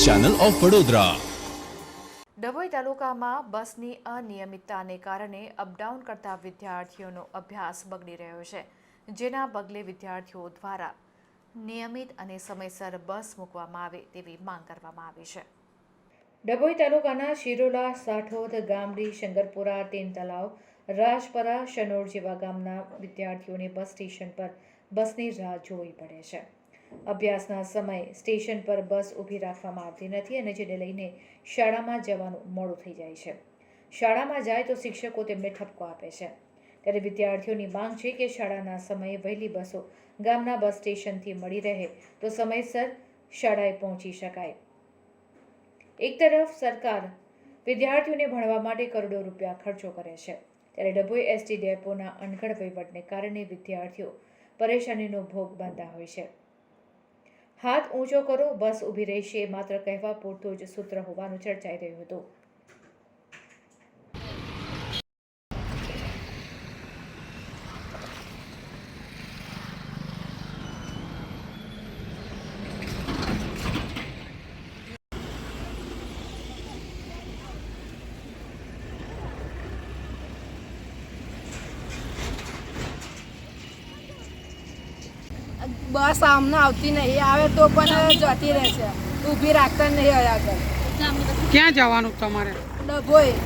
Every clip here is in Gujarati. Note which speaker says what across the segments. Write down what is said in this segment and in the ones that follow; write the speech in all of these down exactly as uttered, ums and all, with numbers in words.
Speaker 1: Channel of Vadodara.
Speaker 2: ડભોઈ તાલુકામાં બસની અનિયમિતતાને કારણે અપડાઉન કરતા વિદ્યાર્થીઓનો અભ્યાસ બગડી રહ્યો છે, જેના પગલે વિદ્યાર્થીઓ દ્વારા નિયમિત અને સમયસર બસ મૂકવામાં આવે તેવી માંગ કરવામાં આવી છે। ડભોઈ તાલુકાના શિરોલા, સાઠોદ, ગામડી, શંકરપુરા, તેન તલાવ, રાજપરા, શનોર જેવા ગામના વિદ્યાર્થીઓને બસ સ્ટેશન પર બસની રાહ જોવી પડે છે। અભ્યાસના સમયે સ્ટેશન પર બસ ઊભી રાખવામાં આવતી નથી અને જેને લઈને શાળામાં જવાનું મોડું થઈ જાય છે। શાળામાં જાય તો શિક્ષકો તેમને ઠપકો આપે છે, ત્યારે વિદ્યાર્થીઓની માંગ છે કે શાળાના સમયે વહેલી બસો ગામના બસ સ્ટેશનથી મળી રહે તો સમયસર શાળાએ પહોંચી શકાય। એક તરફ સરકાર વિદ્યાર્થીઓને ભણવા માટે કરોડો રૂપિયા ખર્ચો કરે છે, ત્યારે ડભોઈ એસટી ડેપોના અનગઢ વહીવટને કારણે વિદ્યાર્થીઓ પરેશાનીનો ભોગ બનતા હોય છે। હાથ ઊંચો કરો, બસ ઊભી રહેશે માત્ર કહેવા પૂરતું જ સૂત્ર હોવાનું ચર્ચાઈ રહ્યું હતું।
Speaker 3: બસ આમને આવતી નહીં, આવે તો પણ જતી રહેશે, ઊભી રાખતા નહીં આગળ।
Speaker 4: ક્યાં જવાનું તમારે?
Speaker 3: ડભોઈ।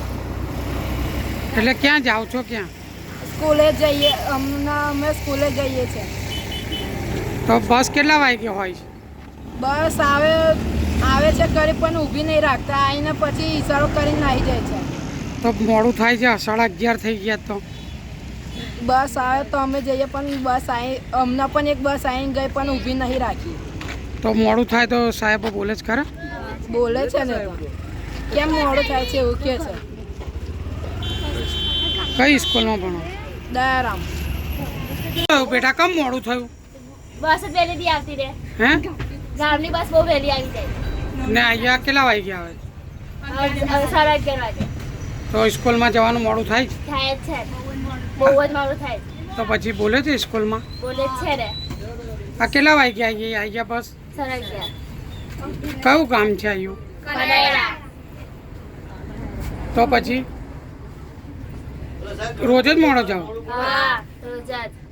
Speaker 4: એટલે ક્યાં જાઓ છો? ક્યાં?
Speaker 3: સ્કૂલે જઈએ, હમણાં અમે સ્કૂલે જઈએ છીએ।
Speaker 4: તો બસ કેટલા વાગે હોય છે?
Speaker 3: બસ આવે આવે છે કરી પણ ઊભી નહીં રાખતા, આવીને પછી ઈશારો કરીને આવી જાય છે।
Speaker 4: તો મોડું થાય છે, સાડા અગિયાર થઈ ગયા તો
Speaker 3: બસ આવે તો અમે જઈએ પણ બસ આવી, હમણાં પણ એક બસ આવીને ગઈ પણ ઊભી નહીં રાખી।
Speaker 4: તો મોડું થાય તો સાહેબ બોલે જ ખરા?
Speaker 3: બોલે છે ને, તો કેમ મોડું થાય છે એવું કહે છે।
Speaker 4: કઈ સ્કૂલમાં ભણો?
Speaker 3: દયારામ।
Speaker 4: બેટા કેમ મોડું થયું?
Speaker 5: બસ જ વહેલી આવતી રહે।
Speaker 4: હે?
Speaker 5: ગામની બસ બહુ વહેલી આવી જાય।
Speaker 4: ને અહીંયા કેટલા વાગે આવે?
Speaker 5: હવે સાડા અગિયાર વાગે
Speaker 4: તો સ્કૂલમાં જવાનું મોડું થાય જ?
Speaker 5: થાય જ છે, બહુ જ મોડું થાય છે।
Speaker 4: તો પછી બોલે છે સ્કૂલમાં?
Speaker 5: બોલે જ છે ને।
Speaker 4: આ કેટલા વાગે આવી આવી ગયા બસ?
Speaker 5: સાડા અગિયાર।
Speaker 4: કયું ગામ છે આવ્યું?
Speaker 5: કડાયરા।
Speaker 4: તો પછી રોજ જ મોડો જાઓ?
Speaker 5: હા, રોજ જ।